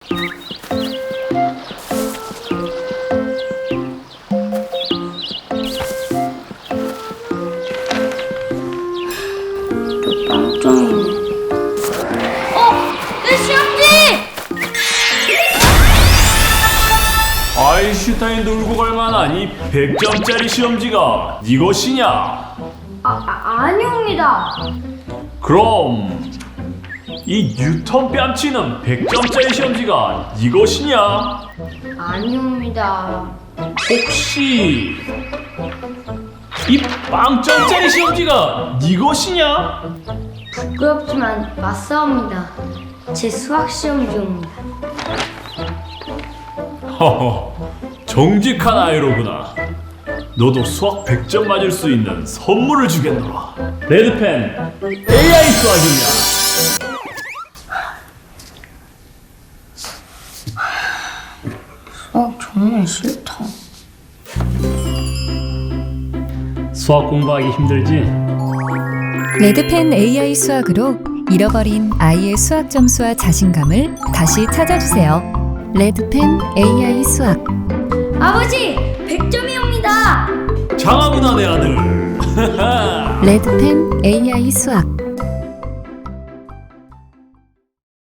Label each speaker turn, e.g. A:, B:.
A: 빵점이네. 내 시험지!
B: 아인슈타인도 울고 갈 만한 이 100점짜리 시험지가 네 것이냐?
A: 아니옵니다.
B: 그럼 이 뉴턴 뺨치는 100점짜리 시험지가 네 것이냐?
A: 아니옵니다.
B: 혹시 이 빵점짜리 시험지가 네 것이냐?
A: 부끄럽지만 맞사옵니다. 제 수학 시험지옵니다.
B: 허허, 정직한 아이로구나. 너도 수학 100점 맞을 수 있는 선물을 주겠노라. 레드펜 AI 수학이냐?
A: 수학 정말 싫다.
B: 수학 공부하기 힘들지?
C: 레드펜 AI 수학으로 잃어버린 아이의 수학 점수와 자신감을 다시 찾아주세요. 레드펜 AI 수학.
A: 아버지! 100점이옵니다!
B: 장하구나 내 아들.
C: 레드펜 AI 수학.